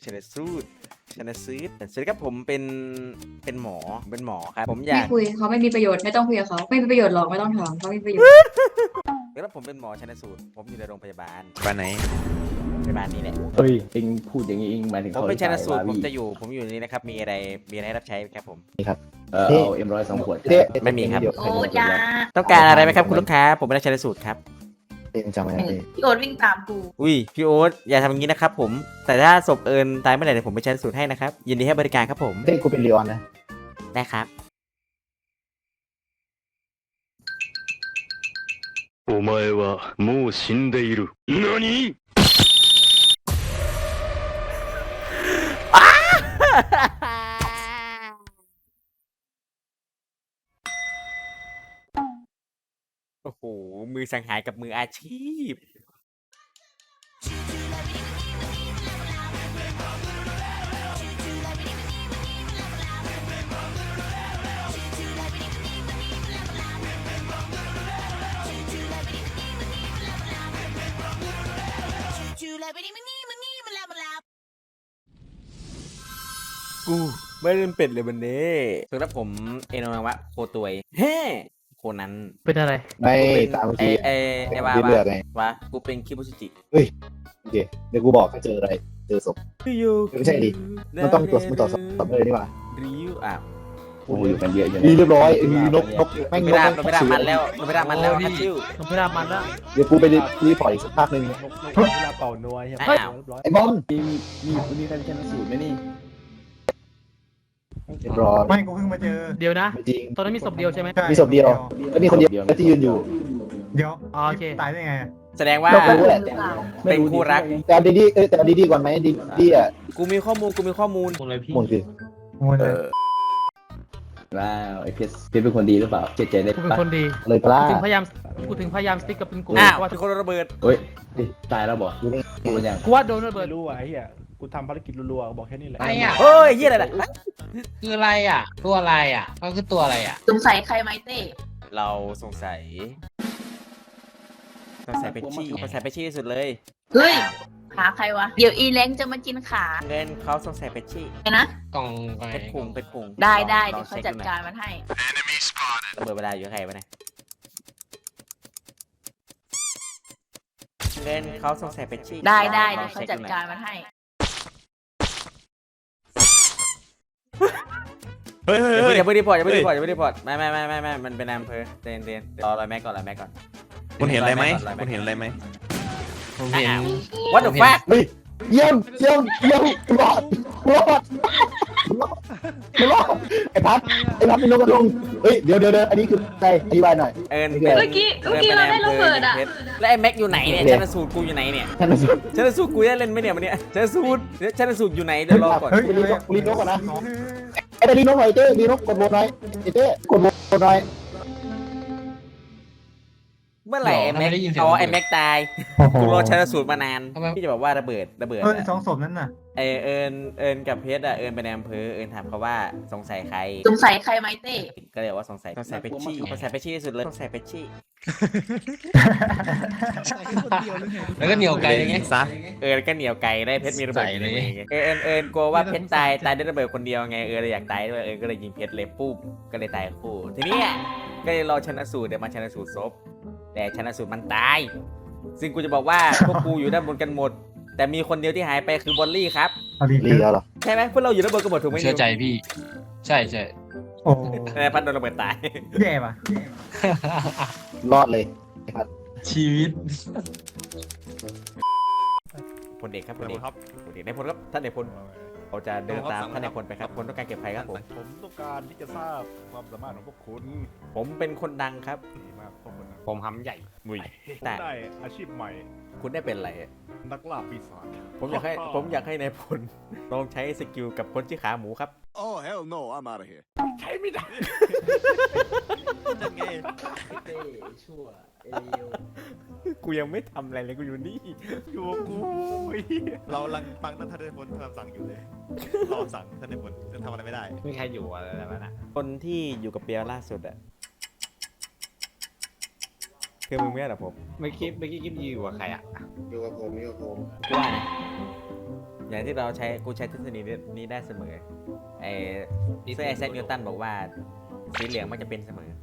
ชนะสูตรชนะซื้อสวัสดีครับผมเป็นหมอครับผมอยาไม่กคุยเขาไม่มีประโยชน์ไม่ต้องคุยกับเขาไม่มีประโยชน์หรอกไม่ต้องถามเขาไม่มีประโยชน์แล้วผมเป็นหมอชนะสูตรผมอยู่ในโรงพยาบาลบ้านไหนพยาบาลนี้แหละเฮ้ยเองพูดอย่างนี้เองหมายถึงผมเขาเป็นชนะสูตรวาผมวีจะอยู่นี่นะครับมีอะไรให้รับใช้ครับผมเอาM100 2 ขวดไม่มีครับโอ้ยาต้องการอะไรไหมครับคุณลูกค้าผมเป็นนักชนะสูตรครับจำไว้นะพี่โอ๊ตวิ่งตามกูอุ้ยพี่โอ๊ตอย่าทำอย่างนี้นะครับผมแต่ถ้าศพเอิญตายเมื่อไหร่เดี๋ยวผมไปชนะสูตรให้นะครับยินดีให้บริการครับผมเฮ้ยกูเป็นลีออนนะได้ครับお前はもう死んでいる。何？ โอ้โหมือสังหารกับมืออาชีพ กูไม่เล่นเป็ดเลยวันนี้สำหรับผมเอโนนาวะโคตวยเฮ้โคนั้นเป็นอะไรไม่ตามเมื่อกี้ไอ้ว่าเลือกไงว่ากูเป็นคิบุชิจิโอเคเดี๋ยวกูบอกถ้าเจออะไรเจอศพ ไม่ใช่ดิ มันต้องตรวจสอบเลยดีกว่าริวอ่ะโอ้โหอยู่กันเยอะอยู่เรียบร้อยมีนกแม่งไม่นกได้แม่งไม่ได้มันแล้วไม่ได้มันแล้วโอ้ฮัยตชิวนกพิราบมันละเดี๋ยวกูไปรีพอร์ตอีกสักพักหนึ่งเวลาเป่านัวใช่ไหมอ้าวเรียบร้อยไอ้บอมมีใครเป็นชนะสูตรไหมนี่เรียบร้อยไม่กูเพิ่งมาเจอเดี๋ยวนะไม่จริงตอนนั้นมีศพเดียวใช่ไหมใช่มีศพเดียวแล้วมีคนเดียวที่ยืนอยู่เดี๋ยวอ๋อโอเคตายได้ไงแสดงว่าเราก็รู้แหละเป็นคู่รักแต่เอาดีๆแต่เอาดีๆก่อนไหมดีอ่ะกูมีข้อมูลมูลคือโอ้ยว้าวไอ้เพชรเป็นคนดีหรือเปล่าเจ๊ใจได้กูเป็นปะคนดีเลยปลากูถึงพยายามสติ๊กกับเป็นกูอ้าวว่าเป็นคนระเบิดเฮ้ยตายแล้วบอกกูเป็นยังกูว่าโดนระเบิดรู้อ่ะไอ้เหี้ยกูทำภารกิจรัวๆบอกแค่นี้แหละอะไรอ่ะเฮ้ยเฮียอะไรล่ะคืออะไรอ่ะ ตัวอะไรอ่ะก็คือตัวอะไรอ่ะสงสัยใครไหมเต้เราสงสัยเป็นชี่ที่สุดเลยเฮ้ยขาใครวะ เดี๋ยวอีเล้งจะมากินขาเงินเขาสงสัยเป็นชี่ไงนะกล่องอะไรเป็นพุงเป็นพุงได้ลเดี๋อยวงเขาช็คจัดหน่อยการมันให้ระเบิดเวลาอยู่กับใครวะเนี่ยเงินเขาสงสัยเป็นชี่ได้เดี๋ลยวองเขาช็คจัดหน่อยการมันให้เฮ้ยเฮ้ยอย่าเฮ้ยเพิ่งรีพอร์ตไม่มันเป็นอำเภอเรียนรอแม็กก่อนคุณเห็นอะไรไหมคุณเห็นอะไรไหมผมเห็น What the fuck เฮ้ยเยี่ยมรอดไอ้พัดเป็นนกกระทงเฮ้ยเดี๋ยวอันนี้คือใครอธิบายหน่อยเอิญเมื่อกี้เราได้ระเบิดอะแล้วไอ้แม็กอยู่ไหนเนี่ยชันสูตรกูอยู่ไหนเนี่ยท่านผู้ชมชันสูตรกูได้เล่นไหมเนี่ยวันเนี้ยชันสูตรอยู่ไหนเดี๋ยวรอก่อนเฮ้ยรีนกก่อนนะไอ้รีนกหน่อยเต้รีนกกดโหวตหน่อยเต้กดโหวตหน่อยเมื่อไหร่ไอ้แม็กอ๋อไอ้แม็กตายกูรอชันสูตรมานานพี่จะบอกว่าระเบิดเฮ้ยสองศพนั้นน่ะเอิญกับเพชรอะเอิญไปในอำเภอเอิญถามเขาว่าสงสัยใครสงสัยใครไหมเต้ก็เลยว่าสงสัยเป็นชี่ที่สุดเลยสงสัยเป็นชี่แล้วก็เหนียวไกลอย่างเงี้ยซะเอิญก็เหนียวไก่ได้เพชรมีระเบิดอยู่ในมือไงเอิญกลัวว่าเพชรตายด้วยระเบิดคนเดียวไงเลยอยากตายด้วยก็เลยยิงเพชรเลยปุ๊บก็เลยตายคู่ทีนี้ก็เลยรอชันสูตรเดี๋ยวมาชันสูตรศพแต่ชันสูตรมันตายซึ่งกูจะบอกว่าพวกกูอยู่ด้านบนกันหมด แต่มีคนเดียวที่หายไปคือบอลลี่ครับเอาดีรีแล้วเหรอใช่ไหมพวกเราอยู่ด้านบนกันหมดถูกไหมเชื่อใจพี่ ใช่ใช่โอ้พัดโดนระเบิดตายแย่ป่ะรอดเลยชีวิตพลเอกครับพลเอกครับพลเอกในพลครับท่านในพลเขาจะเดินตามท่านในพลไปครับคนต้องการเก็บใครครับผมผมต้องการที่จะทราบความสามารถของพวกคุณผมเป็นคนดังครับดีมากพวกคุณผมหำใหญ่มุยผมแต่ได้อาชีพใหม่คุณได้เป็นอะไรนักล่าปีศาจผมอยากให้ในายพลลองใช้สกิลกับคนที่ขาหมูครับ Oh hell no I'm out of here ใช้ไม่ได้นั่นไงกูยังไม่ทำอะไรเลยกูอยู่นี่อยู่กับกูเรากำลังฟังท่านในพลคำสั่งอยู่เลยเราสั่งท่านในพลจะทำอะไรไม่ได้ไม่ใครอยู่อะไรแบบนั้นคนที่อยู่กับเปียล่าสุดอะคือมึงไม่ใช่เหรอผมเมื่อกี้กิ๊บอยู่กับใครอ่ะอยู่กับผมกูว่านะอย่างที่เราใช้กูใช้ทฤษฎีนี้ได้เสมอไอ้เซอร์ไอแซคนิวตันบอกว่าสีเหลืองมันจะเป็นเสมอ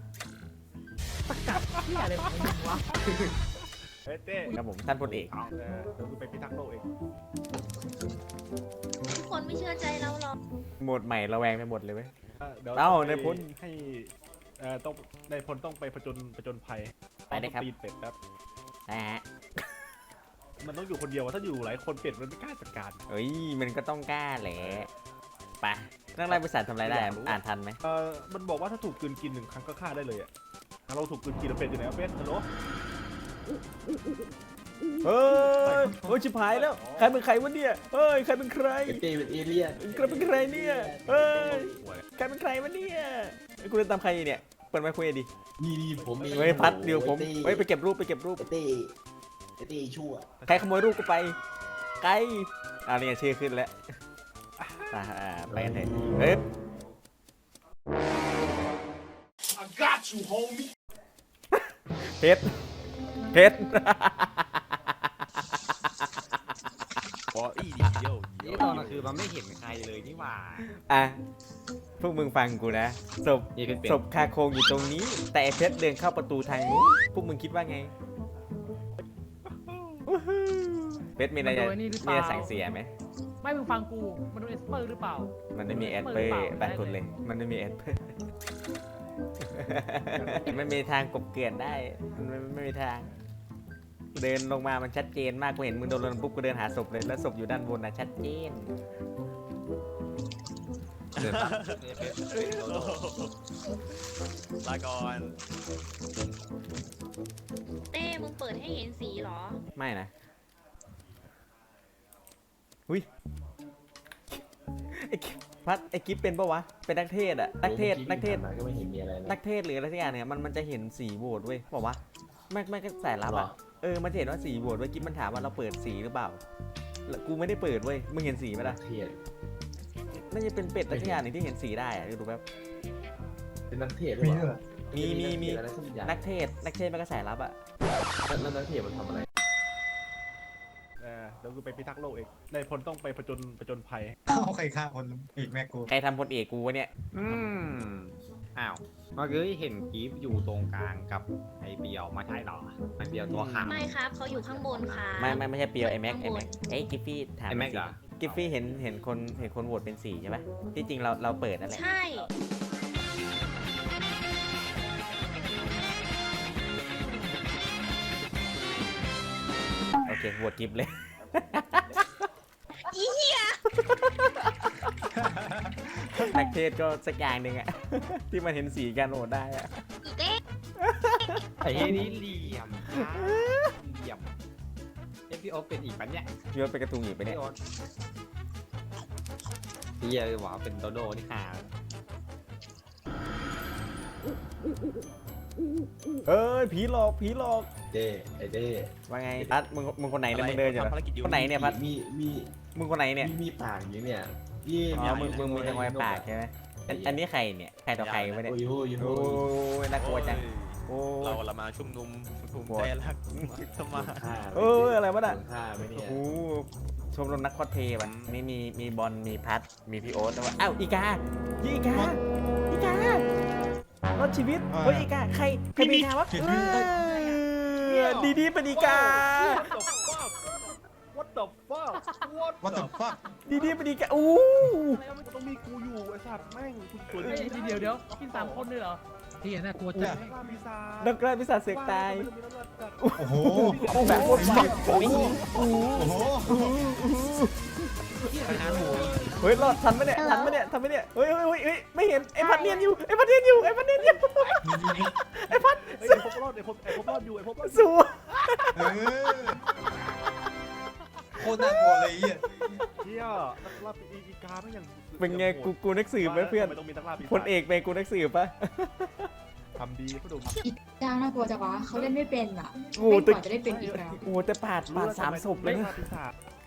ที่อะไรของมึงวะเฮ้ยเต้ครับผมท่านพลเอกเดี๋ยวกูไปพิทักษ์โลกเองทุกคนไม่เชื่อใจเราหรอกโหมดใหม่ระแวงไปหมดเลยเว้ยดี๋ยวเอ้าต้องไปนายพลให้ต้องนายพลต้องไปผจญภัยไปเลยครับตีนเป็ดครับนะฮะมันต้องอยู่คนเดียวถ้าอยู่หลายคนเป็ดมันไม่กล้าจัดการเอ้ยมันก็ต้องกล้าแหละไปนักไล่บริษัททำอะไรได้อ่านทันไหมมันบอกว่าถ้าถูกกลืนกิน1 ครั้งก็ฆ่าได้เลยอ่ะเราถูกกลืนกินแล้วเป็ดอยู่ไหนวะเป็ดฮัลโหลเฮ้ยโอ้ยชิบหายแล้วใครเป็นใครวะเนี่ยเฮ้ยใครเป็นใครเต้เป็นเอเลี่ยนใครเป็นใครเนี่ยเฮ้ยใครเป็นใครวะเนี่ยไอ้กูเดินตามใครเนี่ยเปิดไมค์คุยดินี่ผมเองเฮ้ยพัดเดี๋ยวผมเฮ้ยไปเก็บรูปเต้ชั่วใครขโมยรูปกูไปไกลนี่ไงชื่อขึ้นแล้วไปกันเถอะเฮ้ยเพชรเพชรบออีดิโยนี่ตอนกลางคืนมันไม่เห็นใครเลยนี่หว่าอ่ะพวกมึงฟังกูนะศพนี่เป็นศพคาโครงอยู่ตรงนี้ แต่ไอ้เพชรเดินเข้าประตูทางนู้นพวกมึงคิดว่าไงเพชรมีอะไรจะมีอะไรสั่งเสียไหมไม่มึงฟังกู มันโดนเอสเปอร์หรือเปล่ามันไม่มีแอดเปอร์ตัดกดเลย มันไม่มีแอดเปอร์ มันมีทางกบเกลื่อนได้ มันไม่มีทาง เดินลงมามันชัดเจนมากกูเห็นมึงโดนลงปุ๊บกูเดินหาศพเลยแล้วศพอยู่ด้านบนนะชัดเจนลาก่อนเต้มึงเปิดให้เห็นสีเหรอไม่นะหุ้ยไอ้กิฟพัดไอ้กิฟเป็นปะวะเป็นนักเทศอะนักเทศก็ไม่เห็นมีอะไรนักเทศหรืออะไรสักอย่างเนี่ยมันจะเห็นสีโหวตเว้ยบอกว่าไม่ก็สายลับอ่ะมันจะเห็นว่าสีโหวตเว้ยกิ๊บมันถามว่าเราเปิดสีหรือเปล่าแล้วกูไม่ได้เปิดเว้ยมึงเห็นสีไหมล่ะเทียดน่าจะเป็นเป็ดอะไรสักอย่างหนึ่งที่เห็นสีได้อะดูแป๊บเป็นนักเทียดด้วยเหรอมีอะไรสักอย่างนักเทศมันก็สายลับอ่ะแล้วนักเทียดมันทำอะไรเดี๋ยวกูไปพิทักษ์โลกเองนายพลต้องไปผจญภัยเอาใครฆ่าคนอีกแม่กูใครทำพลเอกกูวะเนี่ยอ้าวเมื่อกี้เห็นกีฟอยู่ตรงกลางกับไอเปียวมาใช่เหรอไอเปียวตัวขาวไม่ครับเขาอยู่ข้างบนค่ะไม่ใช่เปียวไอแม็กไอ้กิฟฟี่ถามไอแม็กเหรอกิฟฟี่เห็นคนโหวตเป็นสีใช่ปะที่จริงเราเปิดนั่นแหละใช่โอเคโหวตกิฟเลยอีเหี้ยนักเทศก็สักอย่างหนึ่งอะ ที่มันเห็นสีกันโหวตได้อะอีเต้ไอ้นี่เหลี่ยมเหลี่ยมพี่โอ๊ตเป็นอีกปันเนี่ยพี่ว่าเป็นกระตุงอยู่ไปเนี่ยพี่โอ๊ตเฮียเลยว่าเป็นโดโดนี่ห่าเอ้ยผีหลอกเต้ไอเต้ว่าไงพัดมึงคนไหนเนี่ยมึงเดินอยู่เหรอคนไหนเนี่ยพัดมีมึงคนไหนเนี่ยมีปากอยู่เนี่ยยี่อ๋อมึงมีจังหวะปากใช่ไหมอันนี้ใครเนี่ยใครต่อใครวะเนี่ยโอ้ยโอ้ยน่ากลัวจังโอ้เราละมาชุมนุมภูมิใจรักสมาเอออะไรวะน่ะฆ่าไหมเนี่โอ้ยโหชมรมนักคอสเพลย์วันนี้มีบอลมีพัดมีพี่โอ๊ตแล้วว่าอ้าวอีการอดชีวิตเฮ้ยอีกาใครเป็นอีกาวะดีเป็นอีกา What the fuck What the fuck ดีเป็นอีกาอู้มันต้องมีกูอยู่ไอ้สัตว์แม่งคุณตัวเฮ้ยเดี๋ยวกิน3 คนเลยเหรอที่น่ากลัวจังปีศาจนักกล้าพิศาจเสือกตายโอ้โหแบบโคตรมันเฮ้ยรอดทันไหมเนี่ยเฮ้ยไม่เห็นไอ้พัดเนียนอยู่ไอ้พัดไอ้พบรอดอยู่สู้โคตรน่ากลัวเลยอ่ะเฮียนักล่าอีกาไม่ยังเป็นไงกูนักสืบไหมเพื่อนต้องมีนักล่าปีศาจพลเอกเป็นกูนักสืบปะทำดีพ่อดุมอีกาน่ากลัวจังวะเขาเล่นไม่เป็นอ่ะโอ้เล่นแต่กว่าจะได้เป็นอีกแล้วโอ้แต่ปาด3ศพเลยนักนะล่าปีศาจ